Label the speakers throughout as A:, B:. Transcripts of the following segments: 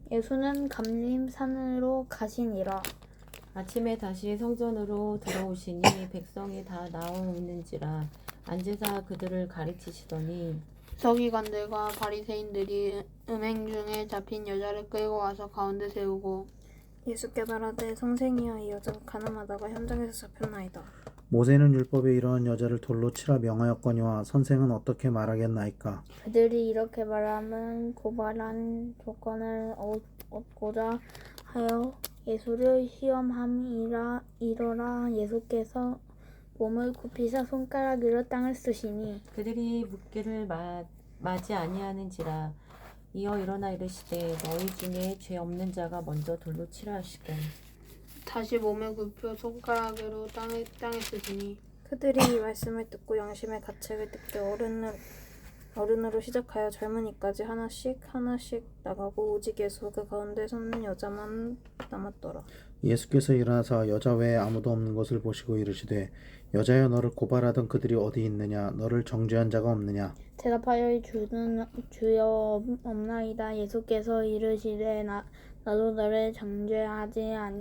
A: 예수는 감림산으로 가시니라.
B: 아침에 다시 성전으로 들어오시니 백성이 다 나오는지라 앉으사 그들을 가르치시더니
C: 서기관들과 바리새인들이 음행 중에 잡힌 여자를 끌고 와서 가운데 세우고
D: 예수께 말하되 선생이여 이 여자가 가늠하다가 현장에서 잡혔나이다.
E: 모세는 율법에 이러한 여자를 돌로 치라 명하였거니와 선생은 어떻게 말하겠나이까.
A: 그들이 이렇게 말하면 고발한 조건을 얻고자 하여 예수를 시험함이라. 이러라 예수께서 몸을 굽히사 손가락으로 땅을 쓰시니
B: 그들이 묻기를 마지 아니하는지라. 이어 일어나 이르시되 너희 중에 죄 없는 자가 먼저 돌로 치라 하시고
C: 다시 몸을 굽혀 손가락으로 땅에 쓰시니
D: 그들이 이 말씀을 듣고 양심의 가책을 듣게 어른으로 시작하여 젊은이까지 하나씩 나가고 오직 예수 그 가운데 섰는 여자만 남았더라.
E: 예수께서 일어나사 여자 외에 아무도 없는 것을 보시고 이르시되 여자여 너를 고발하던 그들이 어디 있느냐 너를 정죄한 자가 없느냐.
A: 대답하여 주여 없나이다. 예수께서 이르시되 나도 너를 정죄하지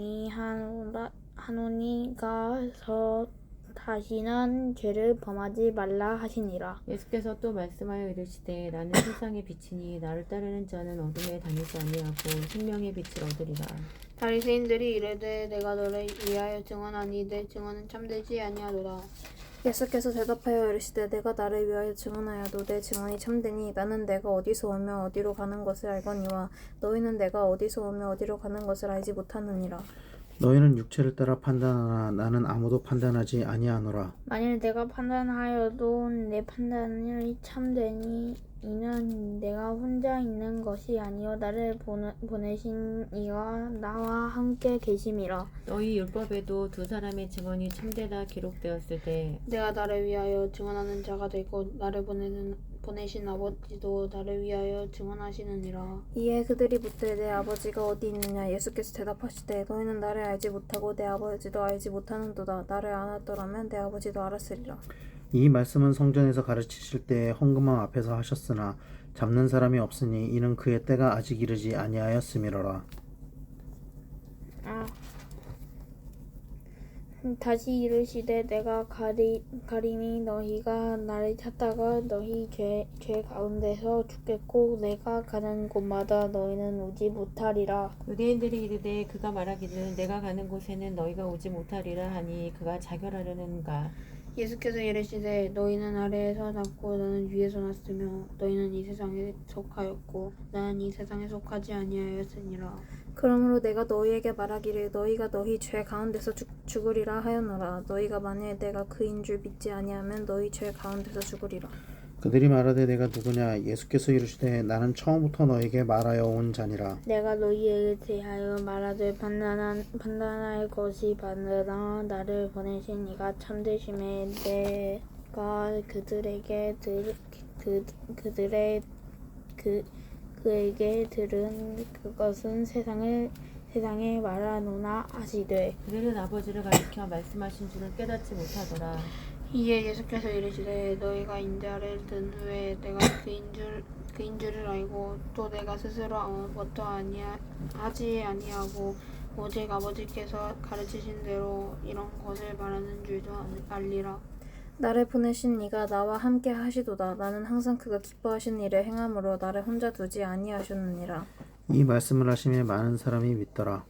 A: 아니하노니 가서 다시는 죄를 범하지 말라 하시니라.
B: 예수께서 또 말씀하여 이르시되 나는 세상의 빛이니 나를 따르는 자는 어둠에 다니지 아니하고 생명의 빛을 얻으리라.
C: 바리새인들이 이르되 내가 너를 위하여 증언하니 내 증언은 참되지 아니하도다.
D: 예수께서 대답하여 이르시되 내가 나를 위하여 증언하여도 내 증언이 참되니 나는 내가 어디서 오며 어디로 가는 것을 알거니와 너희는 내가 어디서 오며 어디로 가는 것을 알지 못하느니라.
E: 너희는 육체를 따라 판단하나 나는 아무도 판단하지 아니하노라.
A: 만일 내가 판단하여도 내 판단이 참되니 이는 내가 혼자 있는 것이 아니요 나를 보내신 이가 나와 함께 계심이라.
B: 너희 율법에도 두 사람의 증언이 참되다 기록되었을 때
C: 내가 나를 위하여 증언하는 자가 되고 나를 보내신 아버지도 나를 위하여 증언하시느니라.
D: 이에 그들이 묻되 내 아버지가 어디 있느냐. 예수께서 대답하시되 너희는 나를 알지 못하고 내 아버지도 알지 못하는도다. 나를 알았더라면 내 아버지도 알았으리라.
E: 이 말씀은 성전에서 가르치실 때 헌금함 앞에서 하셨으나 잡는 사람이 없으니 이는 그의 때가 아직 이르지 아니하였음이로라.
A: 다시 이르시되 내가 가리니 너희가 나를 찾다가 너희 죄 가운데서 죽겠고 내가 가는 곳마다 너희는 오지 못하리라.
B: 유대인들이 이르되 그가 말하기를 내가 가는 곳에는 너희가 오지 못하리라 하니 그가 자결하려는가.
C: 예수께서 이르시되 너희는 아래에서 났고 나는 위에서 났으며 너희는 이 세상에 속하였고 나는 이 세상에 속하지 아니하였으니라.
D: 그러므로 내가 너희에게 말하기를 너희가 너희 죄 가운데서 죽으리라 하였노라. 너희가 만일 내가 그인 줄 믿지 아니하면 너희 죄 가운데서 죽으리라.
E: 그들이 말하되 내가 누구냐. 예수께서 이르시되 나는 처음부터 너에게 말하여 온 자니라.
A: 내가 너희에게 대하여 말하되 판단할 것이 바르나 나를 보내신 이가 참되심에 내가 그에게 들은 그것은 세상에 말하노나 하시되
B: 그들은 아버지를 가리켜 말씀하신 줄을 깨닫지 못하더라.
C: 이에 예수께서 이르시되 너희가 인자를 든 후에 내가 그인 줄을 알고 또 내가 스스로 아무것도 하지 아니하고 오직 아버지께서 가르치신 대로 이런 것을 말하는 줄도 알리라.
D: 나를 보내신 이가 나와 함께 하시도다. 나는 항상 그가 기뻐하신 일을 행함으로 나를 혼자 두지 아니하셨느니라.
E: 이 말씀을 하시며 많은 사람이 믿더라.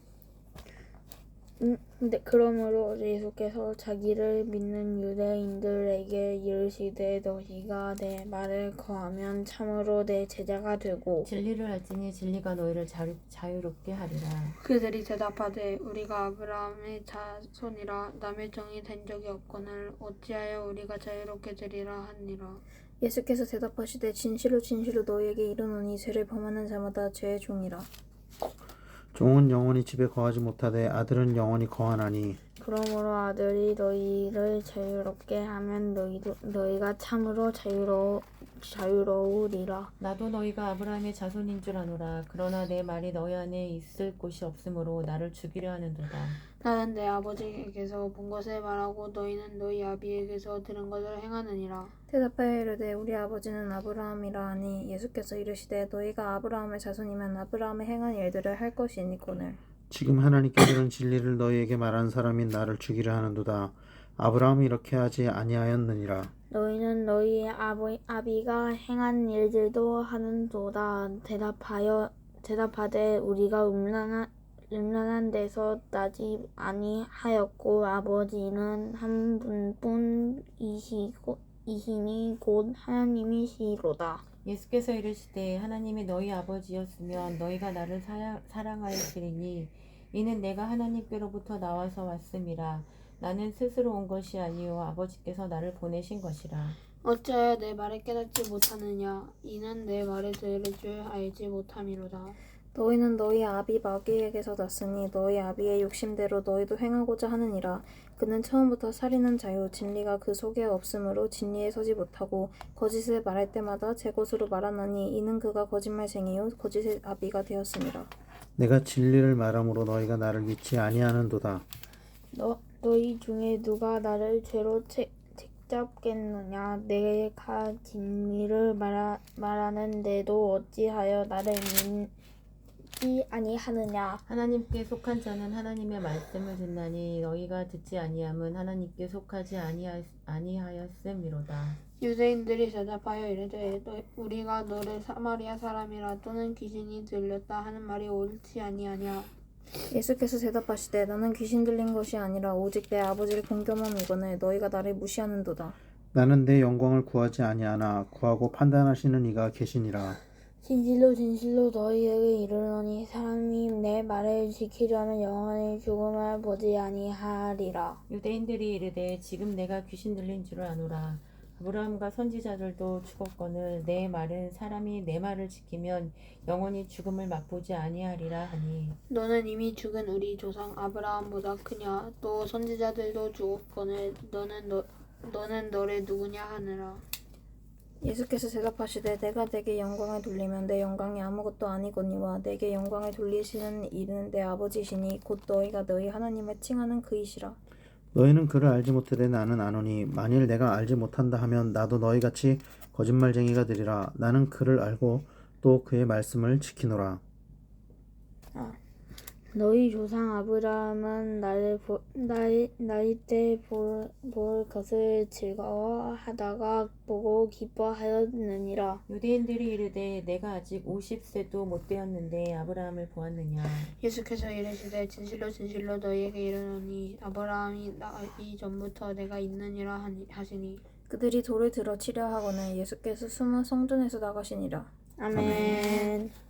A: 그러므로 예수께서 자기를 믿는 유대인들에게 이르시되 너희가 내 말을 거하면 참으로 내 제자가 되고
B: 진리를 알지니 진리가 너희를 자유롭게 하리라.
C: 그들이 대답하되 우리가 아브라함의 자손이라 남의 종이 된 적이 없거늘 어찌하여 우리가 자유롭게 되리라 하니라.
D: 예수께서 대답하시되 진실로 너희에게 이르노니 죄를 범하는 자마다 죄의 종이라.
E: 종은 영원히 집에 거하지 못하되 아들은 영원히 거하나니
A: 그러므로 아들이 너희를 자유롭게 하면 너희가 참으로 자유로우리라.
B: 나도 너희가 아브라함의 자손인 줄 아노라. 그러나 내 말이 너희 안에 있을 곳이 없으므로 나를 죽이려 하는도다.
C: 나는 내 아버지에게서 본 것을 말하고 너희는 너희 아비에게서 들은 것을 행하느니라.
D: 대답하여 이르되 우리 아버지는 아브라함이라 하니 예수께서 이르시되 너희가 아브라함의 자손이면 아브라함의 행한 일들을 할 것이니거늘.
E: 지금 하나님께서는 진리를 너희에게 말한 사람인 나를 죽이려 하는도다. 아브라함이 이렇게 하지 아니하였느니라.
A: 너희는 너희 아비가 행한 일들도 하는도다. 대답하되 우리가 음란한 데서 나지 아니하였고 아버지는 한 분뿐이시니 곧 하나님이시로다.
B: 예수께서 이르시되 하나님이 너희 아버지였으면 너희가 나를 사랑하였으리니 이는 내가 하나님께로부터 나와서 왔음이라. 나는 스스로 온 것이 아니요 아버지께서 나를 보내신 것이라.
C: 어찌하여 내 말을 깨닫지 못하느냐? 이는 내 말을 들을 줄 알지 못함이로다.
D: 너희는 너희 아비 마귀에게서 났으니 너희 아비의 욕심대로 너희도 행하고자 하느니라. 그는 처음부터 살인한 자요 진리가 그 속에 없으므로 진리에 서지 못하고 거짓을 말할 때마다 제 것으로 말하나니 이는 그가 거짓말쟁이요 거짓의 아비가 되었음이라.
E: 내가 진리를 말함으로 너희가 나를 믿지 아니하는도다.
A: 너희 중에 누가 나를 죄로 책잡겠느냐? 내가 진리를 말하는데도 어찌하여 나를 믿지 아니하느냐?
B: 하나님께 속한 자는 하나님의 말씀을 듣나니 너희가 듣지 아니함은 하나님께 속하지 아니하였음이로다.
C: 유대인들이 대답하여 이르되 우리가 너를 사마리아 사람이라 또는 귀신이 들렸다 하는 말이 옳지 아니하냐?
D: 예수께서 대답하시되 나는 귀신 들린 것이 아니라 오직 내 아버지를 공경함이거늘 너희가 나를 무시하는도다.
E: 나는 내 영광을 구하지 아니하나 구하고 판단하시는 이가 계시니라.
A: 진실로 너희에게 이르노니 사람이 내 말을 지키려면 영원히 죽음을 보지 아니하리라.
B: 유대인들이 이르되 지금 내가 귀신 들린 줄을 아노라. 아브라함과 선지자들도 죽었거늘 내 말은 사람이 내 말을 지키면 영원히 죽음을 맛보지 아니하리라 하니
C: 너는 이미 죽은 우리 조상 아브라함보다 크냐? 또 선지자들도 죽었거늘 너는 너를 누구냐 하느라.
D: 예수께서 대답하시되 내가 내게 영광을 돌리면 내 영광이 아무것도 아니거니와 내게 영광을 돌리시는 이는 내 아버지시니 곧 너희가 너희 하나님을 칭하는 그이시라.
E: 너희는 그를 알지 못하되 나는 아노니 만일 내가 알지 못한다 하면 나도 너희같이 거짓말쟁이가 되리라. 나는 그를 알고 또 그의 말씀을 지키노라.
A: 너희 조상 아브라함은 나이 때 볼 것을 즐거워하다가 보고 기뻐하였느니라.
B: 유대인들이 이르되 내가 아직 50세도 못 되었는데 아브라함을 보았느냐.
C: 예수께서 이르시되 진실로 너희에게 이르노니 아브라함이 나기 전부터 내가 있느니라 하시니.
D: 그들이 돌을 들어 치려 하거늘 예수께서 숨어 성전에서 나가시니라.
A: 아멘.